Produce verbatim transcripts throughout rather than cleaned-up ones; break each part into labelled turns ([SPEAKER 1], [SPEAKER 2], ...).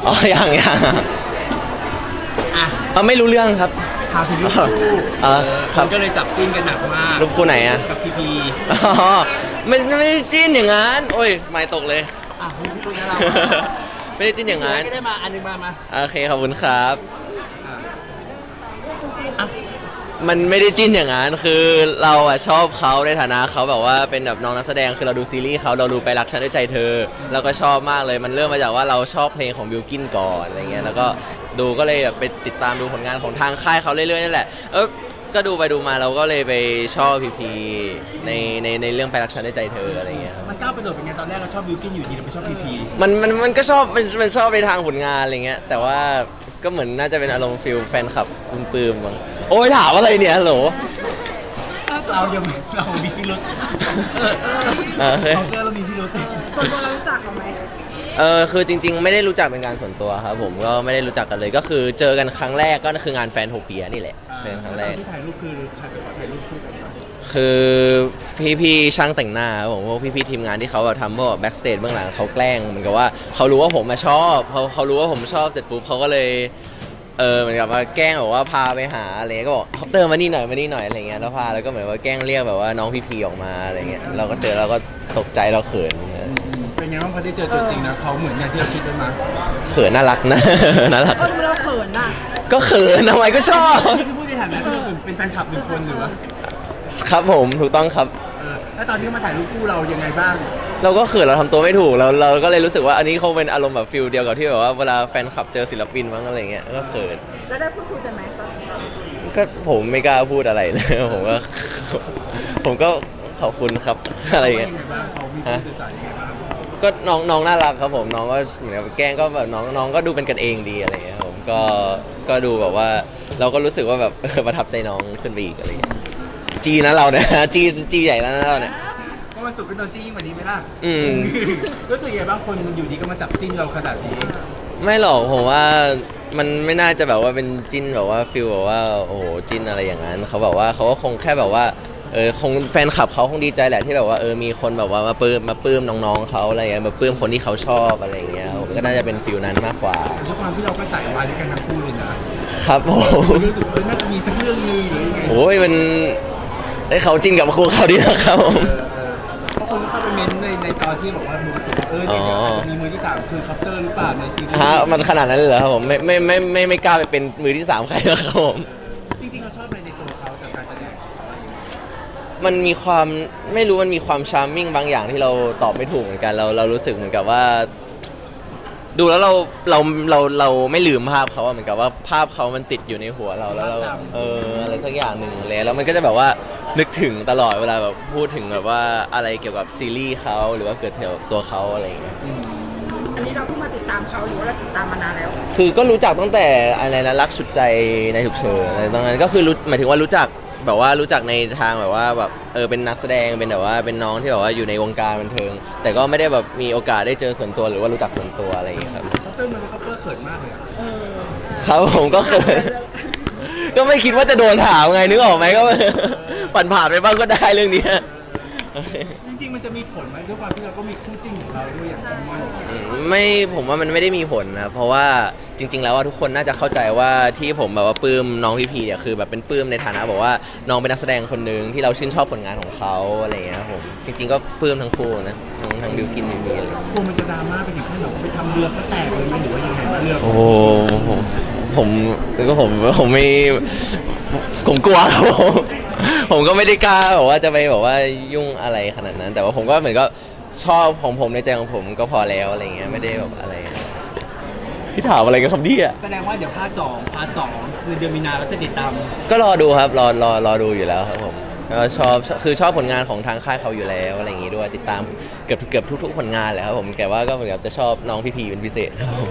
[SPEAKER 1] อ๋อยังยัง
[SPEAKER 2] อ่ะ
[SPEAKER 1] เอาไม่รู้เรื่องครับ
[SPEAKER 2] พาถึงรูปคู่
[SPEAKER 1] เออครับ
[SPEAKER 2] ก็เลยจับจิ้นกันหนักมาก
[SPEAKER 1] รูปคู่ไหนอะ
[SPEAKER 2] กับพีพี
[SPEAKER 1] อ๋อไม่ไม่ได้จิ้นอย่างนั้นโอ้ยไม่ตกเลย
[SPEAKER 2] อ่ะมีพี่ตุ้ยนะเรา
[SPEAKER 1] ไม่ได้จิ้นอย่างนั้น
[SPEAKER 2] ก็ได้มาอันนึงมามา
[SPEAKER 1] โอเคขอบคุณครับ
[SPEAKER 2] อ่ะอ่ะ
[SPEAKER 1] มันไม่ได้จิ้นอย่างนั้นคือเราอะชอบเขาในฐานะเขาแบบว่าเป็นแบบน้องนักแสดงคือเราดูซีรีส์เขาเราดูไปรักฉันด้วยใจเธอเราก็ชอบมากเลยมันเริ่มมาจากว่าเราชอบเพลงของบิลกินก่อนอะไรเงี้ยแล้วก็ดูก็เลยแบบไปติดตามดูผลงานของทางค่ายเขาเรื่อยๆนั่นแหละเออก็ดูไปดูมาเราก็เลยไปชอบพีพีในในในเรื่องไปรักฉันด้วยใจเธออะไรเงี้ยครับ
[SPEAKER 2] มันก้าวกระโดดเป็นไงตอนแรกเราชอบบิวกินอยู่ดีเราไปชอบพีพี
[SPEAKER 1] มันมันมันก็ชอบมันมันชอบในทางผลงานอะไรเงี้ยแต่ว่าก็เหมือนน่าจะเป็นอารมณ์ฟิลแฟนคลับปลื้มๆมั้งโอ้ยถามอะไรเนี่ยฮัลโหล
[SPEAKER 2] เราเดี๋ยวเรามีพิรุธ
[SPEAKER 1] เออ
[SPEAKER 2] เขาเกิดเรามีพิรุธ
[SPEAKER 3] ส่วนตัวเรารู้จักเขาไหม
[SPEAKER 1] เออคือจริงๆไม่ได้รู้จักเป็นการส่วนตัวครับผมก็ไม่ได้รู้จักกันเลยก็คือเจอกันครั้งแรกก็คืองานแฟนโทเปียนี่แหละเจอกันครั้งแรก
[SPEAKER 2] ที่ถ่ายรูปคือใครจะขอถ่ายรูปคู่กันปะ
[SPEAKER 1] คือพี่ๆช่างแต่งหน้าครับผมพวกพี่ๆทีมงานที่เขาแบบทำพวกแบ็กสเตจเบื้องหลังเขาแกล้งเหมือนกับว่าเขารู้ว่าผมมาชอบเขาเขารู้ว่าผมชอบเสร็จปุ๊บเขาก็เลยเออเหมือนกับว่าแกล้งแบบว่าพาไปหาอะไรเงี้ยก็บอกคอปเตอร์มานี่หน่อยมานี่หน่อยอะไรเงี้ยแล้วพาแล้วก็เหมือนว่าแกล้งเรียกแบบว่าน้องพี่พีออกมาอะไรเงี้ยเราก็เจอเราก็ตกใจเราเขิน
[SPEAKER 2] เป็นไงบ้างพอได้เจอตัวจริงนะเขาเหมือนอย่างที่เราคิดไว้มา
[SPEAKER 1] เขินน่ารักนะ น่ารัก
[SPEAKER 3] เออเราเขินน่ะ
[SPEAKER 1] ก็เขินทำไมก็ชอบ
[SPEAKER 2] นี่คือพูดในฐานะที่เราเป็นแฟนคลับหนึ่งคนหรือว่า
[SPEAKER 1] ครับผมถูกต้องครับ
[SPEAKER 2] เออแล้วตอนที่เขามาถ่ายรูปคู่เรายังไงบ้าง
[SPEAKER 1] เราก็เขินเราทำตัวไม่ถูกเราเราก็เลยรู้สึกว่าอันนี้เขาเป็นอารมณ์แบบฟิลเดียวกับที่แบบว่าเวลาแฟนคลับเจอศิลปินมั้งอะไรเงี้ยก็เขิน
[SPEAKER 3] แล้วได้พูดคุยกันไหมตอน
[SPEAKER 1] ก็ผมไม่กล้าพูดอะไรเลย ผมก็ ผมก็ขอบคุณครับ อะไร
[SPEAKER 2] เขาว่า
[SPEAKER 1] เงี้ย
[SPEAKER 2] ยังไงบ้างเขามีการสื่อสารยังไงบ้าง
[SPEAKER 1] ก็น้องน้องน่ารักครับผมน้องก็เหมือนกับแกล้งก็แบบน้องน้องก็ดูเป็นกันเองดีอะไรเงี้ยครับผมก็ก็ดูแบบว่าเราก็รู้สึกว่าแบบ ประทับใจน้องขึ้นไปอีกอะไรเงี้ยจีนะเราเนี่ย จีจีใหญ่แล้วนะเราเนี่ย
[SPEAKER 2] ก็มันสุดเป็นตัวจี้ยิ่งกว่านี้ไหมล่ะ
[SPEAKER 1] อืม
[SPEAKER 2] รู้สึกยังไงบ้างคนอยู่ดีก็มาจับจิ้นเราขนาดนี้
[SPEAKER 1] ไม่หรอกผมว่ามันไม่น่าจะแบบว่าเป็นจิ้นแบบว่าฟิลแบบว่าโอ้โหจิ้นอะไรอย่างนั้นเขาแบบว่าเขาก็คงแค่แบบว่าเออคงแฟนคลับเขาคงดีใจแหละที่แบบว่าเออมีคนแบบว่ามาปลื้มมาปลื้มน้องๆเขาอะไรเงี้ยมาปลื้มคนที่เขาชอบอะไรอย่างเงี้ยผมก็น่าจะเป็นฟิลนั้นมากกว่า
[SPEAKER 2] แต่ด้วยความที่เราก็ใส่วายด้วยกันทั้งคู่เลยนะครับ
[SPEAKER 1] ผม
[SPEAKER 2] รู้สึกว่าเออน่าจะมีสักเรื่องนึงหรือยังไง
[SPEAKER 1] โอ้ยมันไอ้เขาจิ้นกับครูเขาดีนะครับผม
[SPEAKER 2] เออเออเพราะคนก็เข้าไปเม้นต์ในในตอนที่บอกว่ามือสุดเออเนี่ยเดี๋ยวอาจจะมีมือที่สามคือคัพเตอร์หรือเปล่าในซีรีส์
[SPEAKER 1] ฮะมันขนาดนั้นเลยเหรอครับผมไม่ไม่ไม่ไม่ไม่กล้าไปเป็นมือที่สามใครแล้วครับผม
[SPEAKER 2] จริงๆเราชอบอะไรในตัวเขาจากการแสดงของเขาอะไรอย่างเงี้ย
[SPEAKER 1] มันมีความไม่รู้มันมีความชาร์มมิ่งบางอย่างที่เราตอบไม่ถูกเหมือนกันเราเรารู้สึกเหมือนกับว่า ดูแล้วเราเราเราเราไม่ลืมภาพเขาอะเหมือนกับว่าภาพเขามันติดอยู่ในหัวเราแล้วเราเอออะไรสักอย่างหนึ่งเลยแล้วมันก็จะแบบว่านึกถึงตลอดเวลาแบบพูดถึงแบบว่าอะไรเกี่ยวกับซีรีส์เขาหรือว่าเกิดเกี่ยวกับตัวเขาอะไรอย่างเงี้ย
[SPEAKER 3] อันนี้เราเพิ่งมาติดตามเขาหรือว่าเราติดตามมานานแล้ว
[SPEAKER 1] คือก็รู้จักตั้งแต่อะไรนะรักสุดใจในฉุกเฉินอะไรตรงนั้นก็คือรู้หมายถึงว่ารู้จักแบบว่ารู้จักในทางแบบว่าแบบเออเป็นนักแสดงเป็นแบบว่าเป็นน้องที่แบบว่าอยู่ในวงการบันเทิง แต่ก็ไม่ได้แบบมีโอกาสได้เจอส่วนตัวหรือว่ารู้จักส่วนตัวอะไรอย่างเงี้ยครับ
[SPEAKER 2] คัพเตอร์มันคัพเตอร์เขินมากเลยอะ
[SPEAKER 1] ครับผมก็เคย ก็ไม่คิดว่าจะโดนถามไงนึกออกไหมก็ ผ่านผ่านๆไปบ้างก็ได้เรื่องเนี้ย
[SPEAKER 2] จริงๆมันจะมีผลไหมด้วยความที่เราก็มีคู่จิ้นของเราด้วยอย่างจิมมอน
[SPEAKER 1] อืมไม่ผมว่ามันไม่ได้มีผลนะเพราะว่าจริง ๆ แล้วว่าทุกคนน่าจะเข้าใจว่าที่ผมแบบว่าปลื้มน้องพี่พีเนี่ยคือแบบเป็นปลื้มในฐานะบอกว่าน้องเป็นนักแสดงคนหนึ่งที่เราชื่นชอบผลงานของเขาอะไรอย่างเงี้ยครับผมจริง ๆ ก็ปลื้มทั้งคู่นะทั้งทั้งบิวกินบิวกินอะไร
[SPEAKER 2] กลัวมันจะดราม่าไปถึงขั้นแบบไปทำเรือเขาแตกเลยไหมหรือว่ายังไงบ้างเรือ
[SPEAKER 1] โอ้โหผมผมก็ผมผมไม่ผมกลัวครับผมผมก็ไม่ได้กล้าแบบว่าจะไปแบบว่ายุ่งอะไรขนาดนั้น แต่ว่าผมก็เหมือนก็ชอบของผมในใจของผมก็พอแล้วอะไรเงี้ยไม่ได้แบบอะไรพี่ถามอะไรกันครับเนี่ย
[SPEAKER 2] แสดงว่าเดี๋ยวพาร์ทสองพาร์ทสองคือเดือนมีนาเราจะติดตาม
[SPEAKER 1] ก็รอดูครับรอรอรอดูอยู่แล้วครับผมก็ชอบคือชอบผลงานของทางค่ายเขาอยู่แล้วอะไรอย่างงี้ด้วยติดตามเกือบเกือบทุกๆผลงานแหละครับผมแต่ว่าก็เหมือนกับจะชอบน้องพี่พีเป็นพิเศษครับผม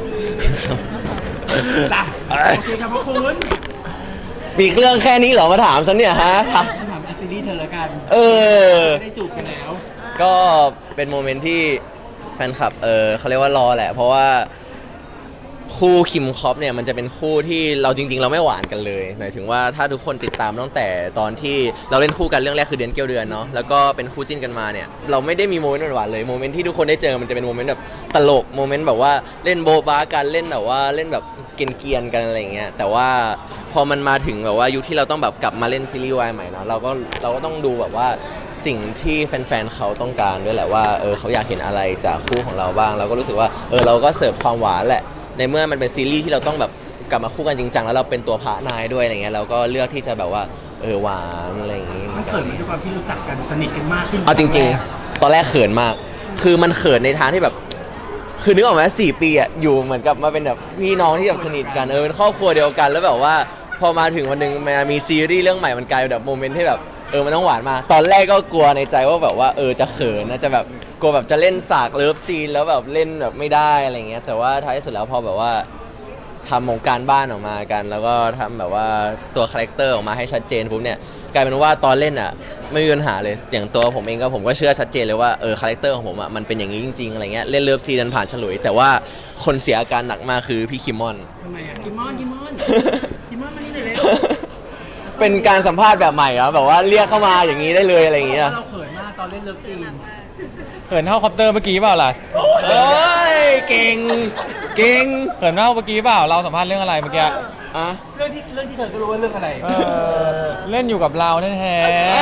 [SPEAKER 2] จ้ะโอเคครับพระคุณ
[SPEAKER 1] มีเรื่องแค่นี้เหรอมาถามฉันเนี่ยฮะ
[SPEAKER 2] ถามอัซีรีส์เธอละกัน
[SPEAKER 1] เออ
[SPEAKER 2] ได้จูบกันแล้ว
[SPEAKER 1] ก็เป็นโมเมนต์ที่แฟนคลับเออเขาเรียกว่ารอแหละ เพราะว่าคู่คิมคอปเนี่ยมันจะเป็นคู่ที่เราจริงๆ เราไม่หวานกันเลยหมายถึงว่าถ้าทุกคนติดตามตั้งแต่ตอนที่เราเล่นคู่กันเรื่องแรกคือเดือนเกี้ยวเดือนเนาะแล้วก็เป็นคู่จิ้นกันมาเนี่ยเราไม่ได้มีโมเมนต์หวานๆเลยโมเมนต์ที่ทุกคนได้เจอมันจะเป็นโมเมนต์แบบตลกโมเมนต์แบบว่าเล่นโบะบ้ากันเล่นแบบว่าเล่นแบบเกรียนๆกันอะไรอย่างเงี้ยแต่ว่าพอมันมาถึงแบบว่ายุคที่เราต้องแบบกลับมาเล่นซีรีส์วายใหม่เนาะเราก็เราก็ต้องดูแบบว่าสิ่งที่แฟนๆเขาต้องการด้วยแหละว่าเออเขาอยากเห็นอะไรจากคู่ของเราบ้างเราก็รู้สึกว่าเออเราก็เสิร์ฟความหวานแหละในเมื่อมันเป็นซีรีส์ที่เราต้องแบบกลับมาคู่กันจริงจังแล้วเราเป็นตัวพระนายด้วยอะไรเงี้ยเราก็เลือกที่จะแบบว่าเออหวานอะไรอย่างงี้
[SPEAKER 2] มันเขินไหมด้วยความที่รู้จักกันสนิทกันมากขึ้น
[SPEAKER 1] เอาจริงๆ ตอนแรกเขินมาก คือมันเขินในทางที่แบบ คือนึกออกไหมสี่ปีอะอยู่เหมือนกับมาเป็นแบบพี่น้องที่แบบสนิทกัน เออเป็นครอบครัวเดียวกัน แล้วแบบว่าพอมาถึงวันหนึ่งมามีซีรีส์เรื่องใหม่มันกลายเป็นแบบโมเมนต์ที่แบบเออมันต้องหวานมาก ตอนแรกก็กลัวในใจว่าแบบว่าเออจะเขินนะจะแบบกลัวแบบจะเล่นสากเลิฟซีนแล้วแบบเล่นแบบไม่ได้อะไรเงี้ย แต่ว่าท้ายที่สุดแล้วพอแบบว่าทำของการบ้านออกมากัน แล้วก็ทำแบบว่าตัวคาแรคเตอร์ออกมาให้ชัดเจนปุ๊บเนี่ยกลายเป็นว่าตอนเล่นอ่ะไม่มีปัญหาเลยอย่างตัวผมเองก็ผมก็เชื่อชัดเจนเลยว่าเออคาแรคเตอร์ของผมอ่ะมันเป็นอย่างนี้จริงๆอะไรเงี้ยเล่นเลิฟซีนนั้นผ่านฉลุยแต่ว่าคนเสียอาการหนักมากคือพี่คิมมอน
[SPEAKER 2] ทำไมอ่ะ
[SPEAKER 3] กิมมอนกิมมอนกิมมอนมานี่เลยเลย
[SPEAKER 1] เป็นการสัมภาษณ์แบบใหม่ครับแบบว่าเรียกเข้ามาอย่างนี้ได้เลยอะไรอย่างเงี้ย
[SPEAKER 2] เราเขินมากตอนเล่นเลิฟซีน
[SPEAKER 4] เขินเท่าคอปเตอร์เมื่อกี้เปล่าล่ะ
[SPEAKER 1] โอ้ยเก่งเก่ง
[SPEAKER 4] เขินเท่าเมื่อกี้เปล่าเราสัมภาษณ์เรื่องอะไรเมื่อกี้
[SPEAKER 1] อ่ะ
[SPEAKER 2] เรื่องที่เรื่องที่เธอก็รู้ว่าเรื่องอะไร
[SPEAKER 4] เออเล่นอยู่กับเราแท้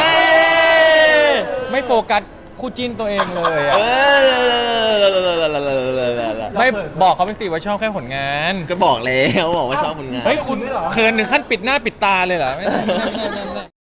[SPEAKER 4] ๆไม่โฟกัสคู่จิ้นตัวเองเลยอะ
[SPEAKER 1] เออ
[SPEAKER 4] ไม่บอกเขาไปสิว่าชอบแค่ผลงาน
[SPEAKER 1] ก็บอกแล้วบอกว่าชอบผลงาน
[SPEAKER 4] เฮ้ยคุณเขินถึงขั้นปิดหน้าปิดตาเลยเหรอไม่ไม่ไม่ไม่ไม่